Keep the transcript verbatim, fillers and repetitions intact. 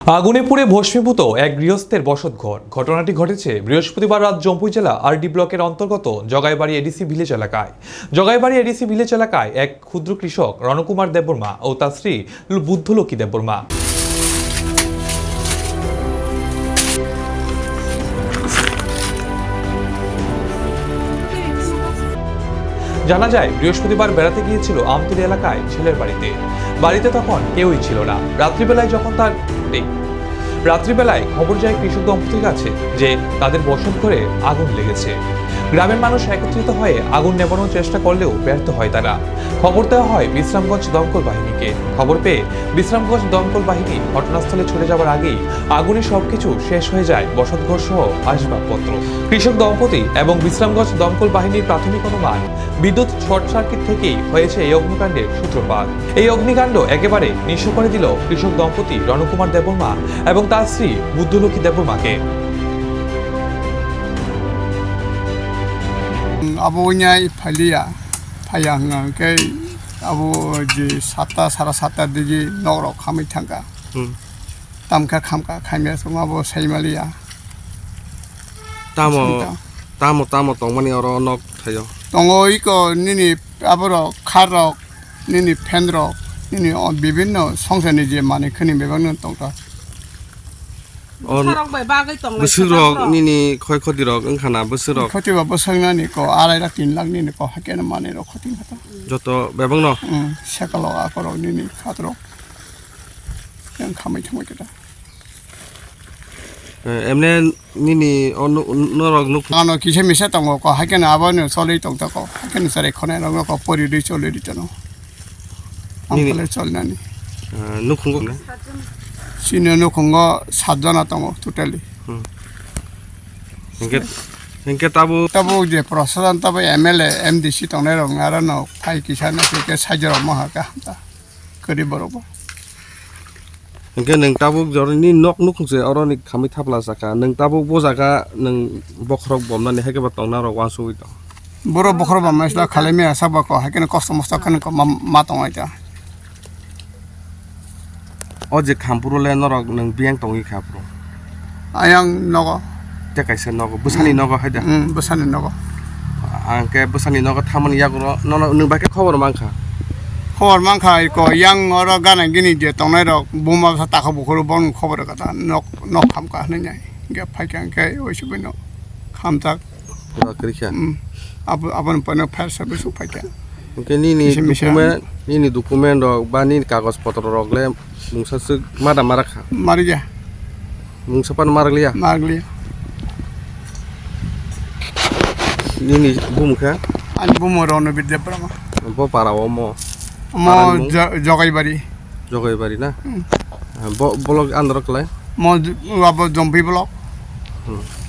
আগুনে পুড়ে ভস্মীভূত এক গৃহস্থের বসতঘর। ঘটনাটি ঘটেছে বৃহস্পতিবার রাত জম্পুই জেলা আরডি ব্লকের অন্তর্গত জগাইবাড়ি এডিসি ভিলেজ এলাকায়। জগাইবাড়ি এডিসি ভিলেজ এলাকায় এক ক্ষুদ্র কৃষক রণকুমার দেববর্মা ও তার স্ত্রী বুদ্ধলক্ষ্মী দেববর্মা। জানা যায় বৃহস্পতিবার বেড়াতে গিয়েছিল আমতলী এলাকায় ছেলের বাড়িতে। বাড়িতে তখন কেউই ছিল না। রাত্রিবেলায় যখন তার রাত্রিবেলায় খবর যায় কৃষক দম্পতির কাছে যে তাদের বসত ঘরে আগুন লেগেছে। গ্রামের মানুষ একত্রিত হয়ে আগুন নেভানোর চেষ্টা করলেও ব্যর্থ হয় তারা। খবর দেওয়া হয় বিশ্রামগঞ্জ দমকল বাহিনীকে। খবর পেয়ে বিশ্রামগঞ্জ দমকল বাহিনী ঘটনাস্থলে ছুটে যাওয়ার আগেই আগুনে সবকিছু শেষ হয়ে যায়, বসতঘর সহ আসবাবপত্র। কৃষক দম্পতি এবং বিশ্রামগঞ্জ দমকল বাহিনীর প্রাথমিক অনুমান বিদ্যুৎ শর্ট সার্কিট থেকেই হয়েছে এই অগ্নিকাণ্ডের সূত্রপাত। এই অগ্নিকাণ্ড একেবারে নিঃস্ব করে দিল কৃষক দম্পতি রণকুমার দেববর্মা এবং তার স্ত্রী বুদ্ধলক্ষ্মী দেববর্মাকে। Abonya Palia Payang ke abo di sata sara sata di norok kami tangga. Tamka kamka kami semua abo Saimalia. Tamo tamo tamo tong mani oro nok thayo. Tongo iko nini aboro karok nini pendrok nini on bibinno songsen je mani kini bebang tongka. Besirok nini khoi khodirok engkhana besirok khoti ba bosangna ni ko arai la tin lakh ni ko hakena mane ro khoti khata joto bebang no um sakalo akoro nini khatro yang khamai thamai kita emne nini on norok nuk ano kise misa tongo ko hakena abano solei tongta ko hakena sare khone ro ko pori ri chole ri tano amkole cholna ni nukhung ne sino no kongo sajana tongo totally engke engke tabu tabu je prosadan tabu mla mdc tongne ro ngara no phai kisana ke sajaro mahaka ta kari boroba engke neng tabu jor ni nok nukhung se oro ni khami thapla saka neng tabu bo jaga neng bokrok bomna ni heke ba tongna ro wansu ito boro bokhro ba masla khaleme asaba ko hakena kosto mosta kan ko ma tongai ta oje khampuro le norok neng biang tongi khapro ayang nogo te kaise nogo busani nogo haida um besane nogo angke busani nogo thamani yagro nono neng bake khobor mangkha khobor mangkha ko yang oro gana gini je tongnai rok buma sa ta kho bukhro bon khobor kata nok nok kham ka hnai ge phaikyang ke oisubino khamtak pura krikha ab aban pano fire service phaikyang ke nini dokumen nini dokumen rok ba nini kagos potro rok le mungsa suk mada marakha mari ja mungsa pan maraglia margli nini bum kha an bumo rono bidde brama bo parawo mo mo jogai bari jogai bari na bo bolok androk le mo abo jompi blok